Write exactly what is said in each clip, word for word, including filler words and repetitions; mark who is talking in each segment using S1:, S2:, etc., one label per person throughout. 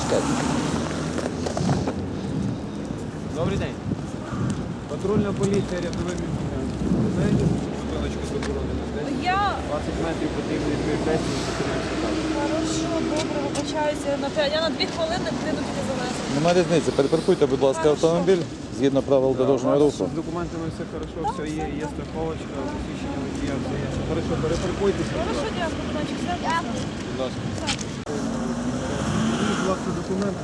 S1: Добрий день. Патрульна поліція, рядовий міліціонер. Ви знаєте, бутилочку заборонено здесь?
S2: Я...
S1: двадцять метрів потрібно відповідальність і зупиняємося так.
S2: Хорошо, добре, вибачаюся. На п'ять- Я на дві хвилини прийду тільки завезти.
S3: Немає різниці. Перепаркуйте, будь ласка, автомобіль згідно правил дорожнього руху.
S1: З документами все хорошо, все є, є страховочка, посвідчення водія, все є. Хорошо, перепаркуйтеся. будь
S2: Хорошо,
S1: ласка.
S2: дякую, значить, все. Дякую.
S1: Будь ласка. Будь ласка, документи.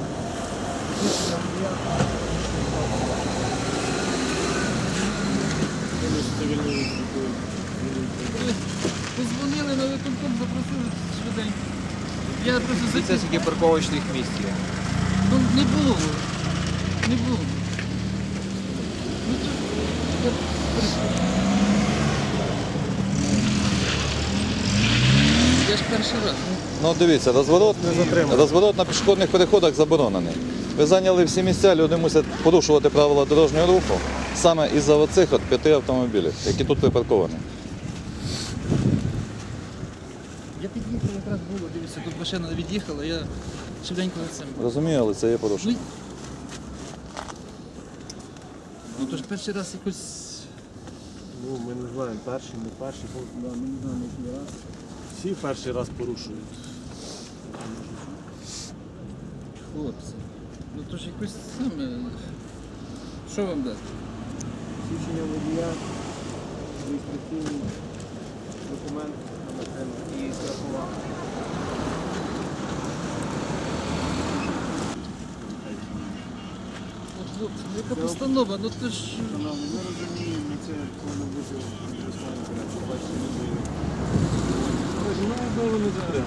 S4: Позвонили на виконком, запросили швиденько. Я просто
S1: Це
S4: закис...
S1: скільки парковочних місць є.
S4: Ну, не було. Не було. Ну, то... Я ж перший раз.
S3: Ну дивіться, розворот, розворот на пішохідних переходах заборонений. Ви зайняли всі місця, люди мусять порушувати правила дорожнього руху саме із-за оцих от п'яти автомобілів, які тут припарковані.
S4: Я під'їхав, якраз було, дивіться, тут машина від'їхала, я швиденько за цим.
S3: Розумію, але це є порушення.
S4: Ну, то ж перший раз якось...
S5: Ну, ми не знаємо, перший, не перший, бо
S4: Да, ми не знаємо, який раз.
S5: всі перший раз порушують.
S4: Хлопці, ну то ж якось саме. Що вам дати?
S1: Посвідчення водія, реєстраційний документ на машину і страхова.
S4: От, хлопці, ну яка постанова, ну то ж...
S5: Шановні, ми розуміємо, це повинно бути звичайно, коротше, бачите, люди.
S1: Ну, якби вони зараз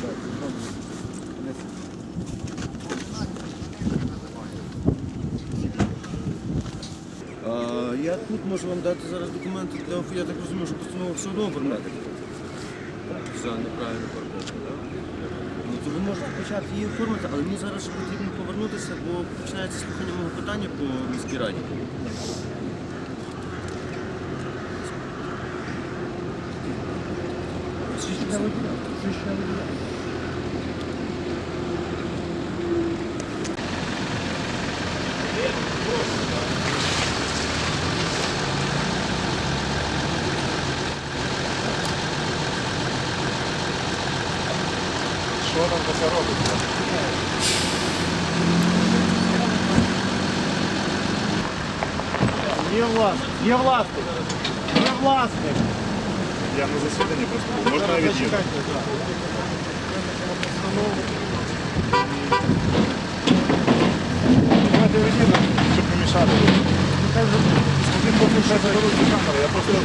S5: А, я тут можу вам дати зараз документи для оф- я так розумію, що постанову все одно оформляти.
S1: за неправильну парковку, так?
S5: Ну, то ви можете почати її оформити, але мені зараз ще потрібно повернутися, бо починається слухання мого питання по міській раді.
S3: Що там це робиться?
S5: Є власник, є власник, є власник.
S6: Я на засіданні просто був. Можна я від'їду? Давайте я від'їду, щоб не мішати. Один поки ще заберуть камеру, я просто...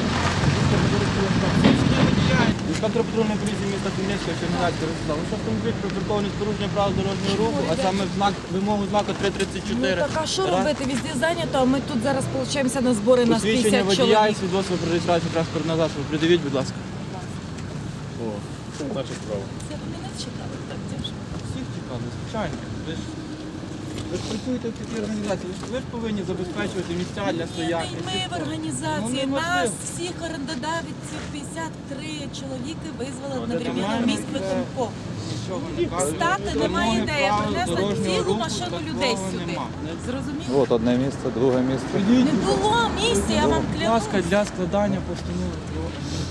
S1: Інспектор патрульної поліції міста Хмельницького, Чернігівського Ростислав. Ось автомобіль припаркований з порушенням правил дорожнього руху, а саме в знак вимогу знаку три тридцять
S2: Ну
S1: чотири.
S2: так, а що робити? Везде зайнято, а ми тут зараз получаємося на збори на
S1: Посвідчення
S2: п'ятдесят
S1: водія і
S2: чоловік.
S1: свідоцтво про реєстрацію транспортного засобу. Придивіть, будь ласка.
S6: О, це перша справа.
S2: Це ви мене чекали так тяжко.
S1: Всіх чекали, звичайно. Ви ж, ви ж працюєте в такій організації, ви ж, ви ж повинні забезпечувати місця для стоянки.
S2: Ми в організації,
S1: Ну, неможливо.
S2: нас всіх орендодавців п'ятдесят три чоловіки визвали
S1: Ну,
S2: одновременно
S1: нормально,
S2: міськ
S1: це-
S2: виконком.
S1: Нічого не кажуть.
S2: Стати немає
S1: Вимоги
S2: ідеї,
S1: правил
S2: принесла
S1: дорожнього
S2: цілу
S1: руху,
S2: машину
S1: такого
S2: людей сюди.
S1: нема. Не-
S2: Зрозуміло?
S3: От одне місце, друге місце.
S2: Не було місця, я вам
S1: Будь ласка,
S2: клянусь.
S1: для складання постанови про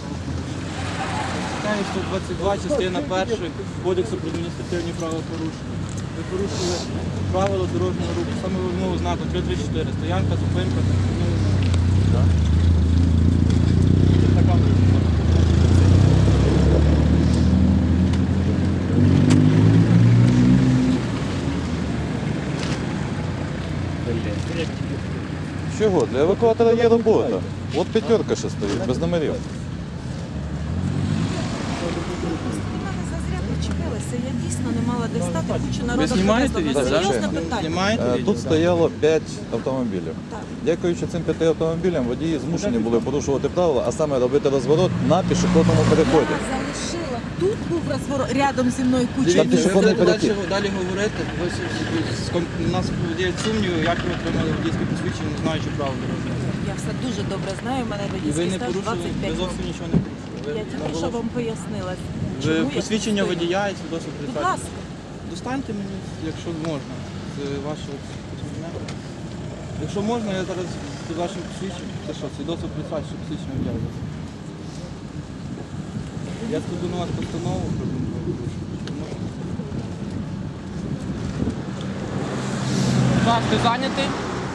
S1: читаю сто двадцять два, частина перша Кодексу про адміністративні правопорушення. Ви порушили правила дорожнього руху, саме вимогу знаку три тридцять чотири. Стоянка, зупинка. Ну,
S3: Чого? Для евакуатора є робота. От п'ятерка ще стоїть, без номерів.
S2: Ви мене зазря причепилися, я дійсно не мала де стати, кучу народу.
S1: Ви знімаєте
S2: привезла.
S1: відео,
S2: Серйозне
S3: так?
S2: питання.
S1: Знімаєте
S3: Е,
S1: відео?
S3: Тут стояло п'ять автомобілів.
S2: Так.
S3: Дякуючи цим п'яти автомобілям, водії змушені були порушувати правила, а саме робити розворот на пішохідному переході.
S2: Я залишила. Тут був розворот рядом зі мною куча.
S3: Там
S1: Дивіться,
S3: пішохідний
S1: ви будете
S3: перехід.
S1: далі, далі говорити. Ви с- с- с- у нас є сумніви, як ви отримали водійське посвідчення, не знаючи правил дорожнього руху.
S2: Я все дуже добре знаю, в мене
S1: І ви
S2: водійський
S1: не
S2: стаж
S1: порушили,
S2: двадцять
S1: ви
S2: п'ять
S1: зовсім
S2: років.
S1: нічого не порушили. Ви
S2: Я тільки що
S1: наголошуєте.
S2: вам пояснила.
S1: Ви
S2: чому я
S1: посвідчення
S2: тут стою.
S1: водія і свідоцтво про
S2: Будь
S1: реєстрацію.
S2: ласка.
S1: достаньте мені, якщо можна, з вашого посвідчення. Якщо можна, я зараз з вашим посвідченням, це що, свідоцтво про факт, що посвідчення взяли. Я складу на вас постанову про адмінправопорушення. Так, ти зайнятий?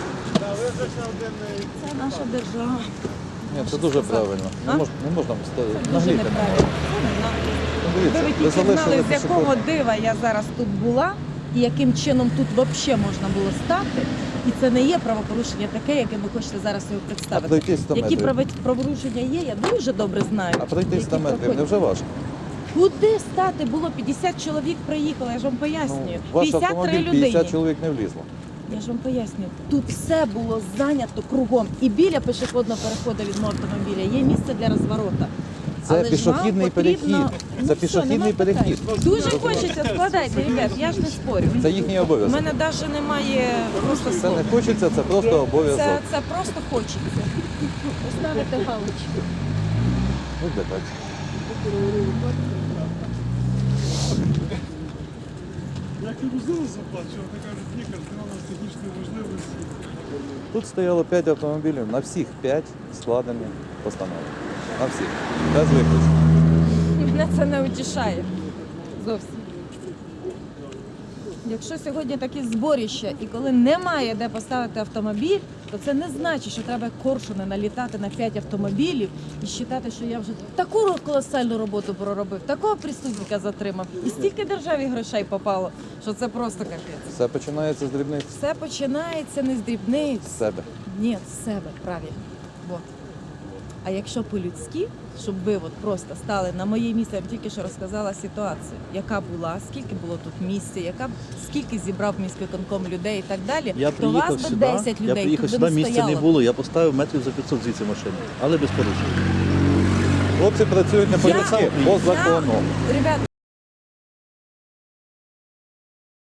S2: Це наша держава.
S3: Ні, це дуже правильно. Не,
S2: А?
S3: мож, не можна ставити.
S2: Дуже
S3: Нагліти.
S2: неправильно. Це не знаю.
S3: Дивіться,
S2: Ви
S3: ви
S2: тільки
S3: залишили
S2: знали, з якого
S3: пішохід.
S2: дива я зараз тут була і яким чином тут взагалі можна було стати. І це не є правопорушення таке, яке ви хочете зараз його
S3: А
S2: представити.
S3: пройти сто
S2: Які
S3: метрів.
S2: право- правопорушення є, я дуже добре знаю.
S3: А пройти
S2: які
S3: сто метрів
S2: проходять.
S3: не вже важко?
S2: Куди стати? Було п'ятдесят чоловік приїхало, я ж вам
S3: Ну,
S2: пояснюю.
S3: ваш
S2: п'ятдесят три
S3: автомобіль
S2: людині.
S3: п'ятдесят чоловік не влізло.
S2: Я ж вам пояснюю. Тут все було зайнято кругом. І біля пішохідного переходу від мого автомобіля є місце для розворота.
S3: Це
S2: Але ж
S3: пішохідний
S2: вам потрібно-
S3: перехід.
S2: Ну,
S3: Це
S2: все,
S3: пішохідний
S2: нема питань.
S3: перехід.
S2: Дуже хочеться, складайте, ребят, я ж не спорю.
S3: Це їхній
S2: У
S3: обов'язок.
S2: мене навіть немає просто
S3: Це
S2: слов.
S3: не хочеться, це просто
S2: Це,
S3: обов'язок.
S2: це просто хочеться. Поставити галочку.
S3: Буде так.
S6: Як і можливо заплачувати, вони кажуть, ні, кажуть, нема у нас технічної можливості.
S3: Тут стояло п'ять автомобілів, на всіх п'ять складені постанови. На всіх. Без виключення.
S2: Мене це не утішає. Зовсім. Якщо сьогодні такі зборища і коли немає де поставити автомобіль, то це не значить, що треба коршуни налітати на п'ять автомобілів і вважати, що я вже таку колосальну роботу проробив, такого преступника затримав. І стільки державі грошей попало, що це просто капець.
S3: Все починається з дрібниць.
S2: Все починається не з дрібниць.
S3: З себе.
S2: Ні, з себе, правильно. Вот. А якщо по-людськи, щоб ви от просто стали на моє місце, я вам тільки що розказала ситуацію, яка була, скільки було тут місця, яка скільки зібрав міськвиконком людей і так далі,
S7: Я
S2: то вас
S7: приїхав
S2: би
S7: сюди,
S2: десять
S7: я
S2: людей
S7: приїхав
S2: тут
S7: сюди,
S2: би не
S7: місця не
S2: стояло.
S7: було, я поставив метрів за п'ятсот звідси машини, але без порушень.
S3: Хлопці працюють не по
S2: Я-
S3: людськи, по закону.
S2: Ребят,